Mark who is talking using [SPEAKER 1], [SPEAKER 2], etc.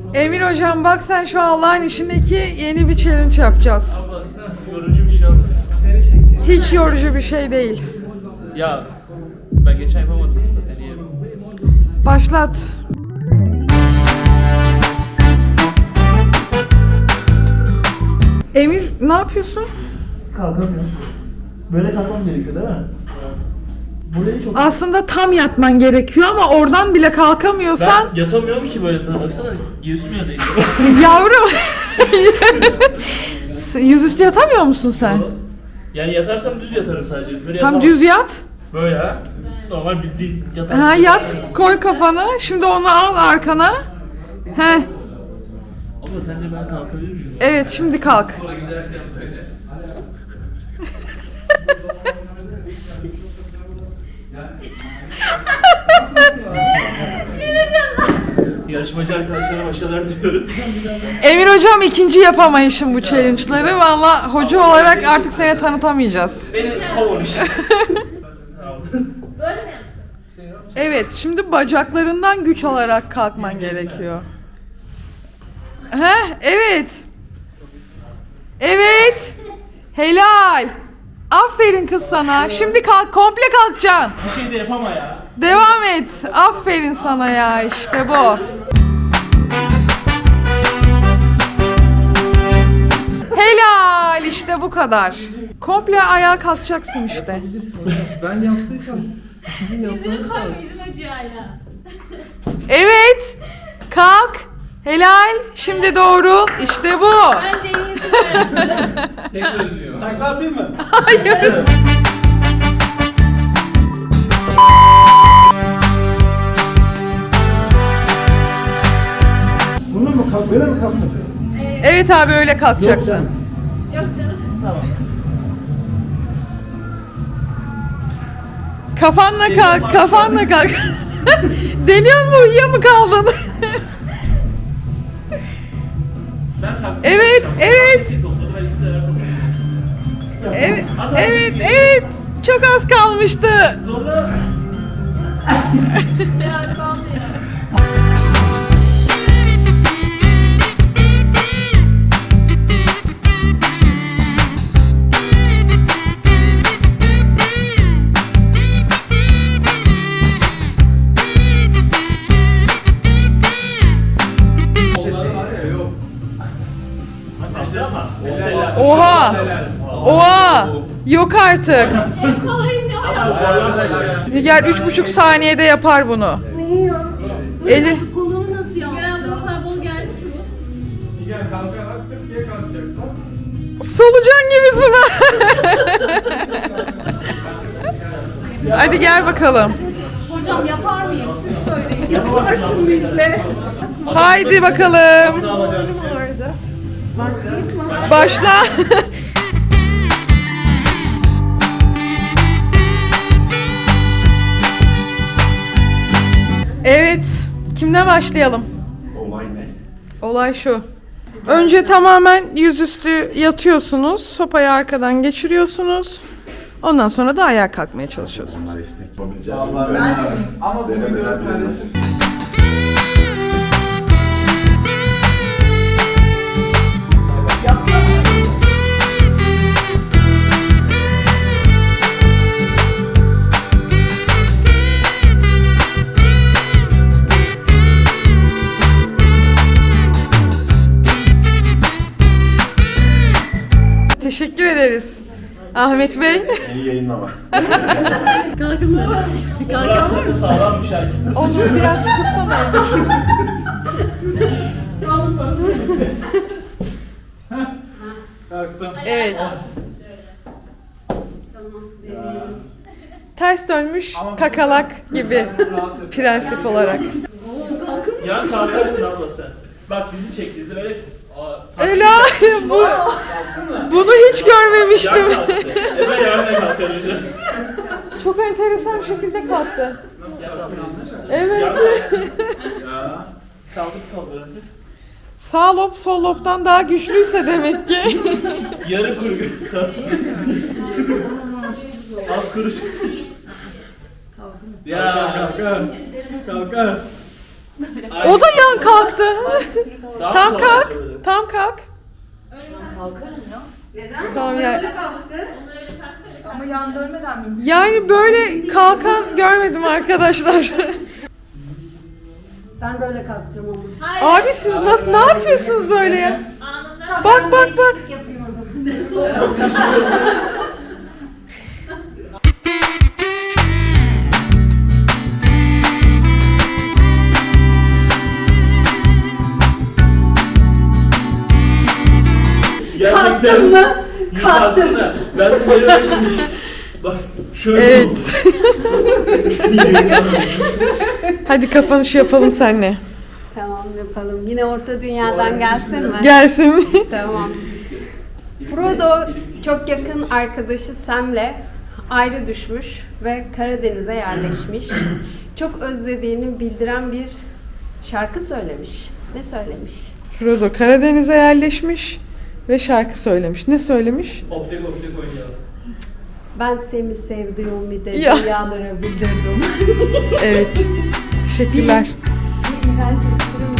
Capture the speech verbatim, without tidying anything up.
[SPEAKER 1] Emir hocam bak sen şu Allah'ın işindeki yeni bir challenge yapacağız.
[SPEAKER 2] Ama yorucu bir şey olmasın.
[SPEAKER 1] Hiç yorucu bir şey değil.
[SPEAKER 2] Ya ben geçen yapamadım da deneyelim.
[SPEAKER 1] Başlat. Emir ne yapıyorsun?
[SPEAKER 3] Kalkamıyorum. Böyle kalkmam gerekiyor değil mi? Burayı çok...
[SPEAKER 1] Aslında tam yatman gerekiyor ama oradan bile kalkamıyorsan
[SPEAKER 2] Ben yatamıyorum ki böyle sana baksana göğsüm ya değil.
[SPEAKER 1] yavrum. Yüzüstü yatamıyor musun sen?
[SPEAKER 2] Yani yatarsam düz yatarım sadece. Böyle
[SPEAKER 1] Tam
[SPEAKER 2] yatamam.
[SPEAKER 1] düz yat.
[SPEAKER 2] Böyle ha. Normal bildiğin yatar.
[SPEAKER 1] Ha yat, koy kafanı. Şimdi onu al arkana. He.
[SPEAKER 2] Abla sence ben kalkabilir miyim?
[SPEAKER 1] Evet, şimdi kalk.
[SPEAKER 2] Yarışmacı arkadaşlara başarılar diliyorum.
[SPEAKER 1] Emir hocam ikinci yapamayışım bu challenge'ları. Valla hoca olarak artık seni tanıtamayacağız.
[SPEAKER 2] Beni kovun işte.
[SPEAKER 4] Böyle mi?
[SPEAKER 1] Evet, şimdi bacaklarından güç alarak kalkman gerekiyor. He, evet. Evet. Helal. Aferin kız sana. Şimdi kalk, komple kalkacaksın.
[SPEAKER 2] Bir şey de yapama ya.
[SPEAKER 1] Devam et. Aferin sana ya, işte bu. Helal, işte bu kadar. Komple ayağa kalkacaksın işte.
[SPEAKER 3] Ben yaptıysam...
[SPEAKER 4] Yüzünü koyma, yüzüm acıyor hala.
[SPEAKER 1] Evet. Kalk. Helal. Şimdi doğru. İşte bu.
[SPEAKER 4] Bence en iyisi böyle.
[SPEAKER 3] Tekrar dönüyor. Takla atayım mı?
[SPEAKER 1] Hayır.
[SPEAKER 3] Bunu mu kalk? Böyle mi kalkacak?
[SPEAKER 1] Evet abi öyle kalkacaksın.
[SPEAKER 4] Yok canım.
[SPEAKER 2] Tamam.
[SPEAKER 1] Kafanla kalk, kafanla kalk. Deniyor mu, uyuya mı kaldın?
[SPEAKER 2] Ben kalktım.
[SPEAKER 1] Evet, evet.
[SPEAKER 2] Topladı, ben iki sefer topladım.
[SPEAKER 1] Evet, evet, evet. Çok az kalmıştı.
[SPEAKER 2] Zorla.
[SPEAKER 4] Ya kaldı ya.
[SPEAKER 1] Oha. Oha. Yok artık.
[SPEAKER 4] En kolayı ne o?
[SPEAKER 1] Nigar üç buçuk saniyede yapar bunu. Eli.
[SPEAKER 5] Kolunu nasıl
[SPEAKER 4] Gören
[SPEAKER 5] yaptın?
[SPEAKER 4] bu kadar bol geldi ki bu.
[SPEAKER 3] Gel kalkarak tık diye kalkacak.
[SPEAKER 1] Solucan gibisin ha. Hadi gel bakalım.
[SPEAKER 5] Hocam yapar mıyım? Siz söyleyin. Yaparsın Müjde.
[SPEAKER 1] Haydi bakalım.
[SPEAKER 5] Vardı.
[SPEAKER 1] Başla. Evet. Kimden başlayalım?
[SPEAKER 3] Olay ne?
[SPEAKER 1] Olay şu. Önce tamamen yüzüstü yatıyorsunuz. Sopayı arkadan geçiriyorsunuz. Ondan sonra da ayağa kalkmaya çalışıyorsunuz.
[SPEAKER 3] Ama bu videonun paylaşım.
[SPEAKER 1] Teşekkür ederiz. Ahmet Bey.
[SPEAKER 3] İyi yayınlama.
[SPEAKER 2] Kalkamıyor. Sağlam bir şarkı.
[SPEAKER 1] Onu biraz kıssana.
[SPEAKER 3] Kalktım.
[SPEAKER 1] Evet. Ters dönmüş kakalak gibi prensip olarak.
[SPEAKER 2] Ya kalkarsın abla sen. Bak bizi çektiğinizi böyle... Aa,
[SPEAKER 1] Ela bu bunu hiç görmemiştim.
[SPEAKER 2] Yan kalktı. E ben yarın da kalkarım.
[SPEAKER 1] Çok enteresan bir şekilde kalktı. Evet.
[SPEAKER 2] Kaldık kaldık.
[SPEAKER 1] Sağ lob sol lobdan daha güçlüyse demek ki.
[SPEAKER 2] Yarı kuru. Az kuruş. Ya.
[SPEAKER 3] Kalkar. Kalkar.
[SPEAKER 1] O da yan kalktı.
[SPEAKER 2] Daha
[SPEAKER 1] Tam
[SPEAKER 2] mı
[SPEAKER 1] kalk.
[SPEAKER 2] kolay?
[SPEAKER 1] Tam kalk.
[SPEAKER 4] Öyle kalk.
[SPEAKER 5] Kalkarım ya.
[SPEAKER 6] Neden?
[SPEAKER 1] Tamam ya.
[SPEAKER 6] Böyle kalktı.
[SPEAKER 4] Onu öyle kalk da öyle kalk.
[SPEAKER 5] Ama yan dönmeden mümkün.
[SPEAKER 1] Yani böyle kalkan görmedim arkadaşlar.
[SPEAKER 6] Ben de öyle kalkacağım ama.
[SPEAKER 4] Hayır.
[SPEAKER 1] Abi siz nasıl ne yapıyorsunuz böyle ya?
[SPEAKER 4] Anında.
[SPEAKER 6] Tamam,
[SPEAKER 1] Bak,
[SPEAKER 6] ben
[SPEAKER 1] bak, bak.
[SPEAKER 6] değişiklik yapayım o zaman.
[SPEAKER 2] Gerçekten.
[SPEAKER 5] Kalktın mı?
[SPEAKER 2] İyi kalktın da. Ben seni görüyorum şimdi. Bak şöyle oldu.
[SPEAKER 1] Evet. Hadi kapanış yapalım seninle.
[SPEAKER 7] Tamam yapalım. Yine Orta Dünya'dan gelsin mi?
[SPEAKER 1] Gelsin.
[SPEAKER 7] Tamam. Frodo çok yakın arkadaşı Sam'le ayrı düşmüş ve Karadeniz'e yerleşmiş. Çok özlediğini bildiren bir şarkı söylemiş. Ne söylemiş?
[SPEAKER 1] Frodo Karadeniz'e yerleşmiş ve şarkı söylemiş. Ne söylemiş?
[SPEAKER 2] Optik optik oynayalım.
[SPEAKER 7] Ben seni sevdiğimi de
[SPEAKER 1] Ya.
[SPEAKER 7] dünyalara bildirdim.
[SPEAKER 1] Evet. Teşekkürler.
[SPEAKER 7] Bir iğrenç esprim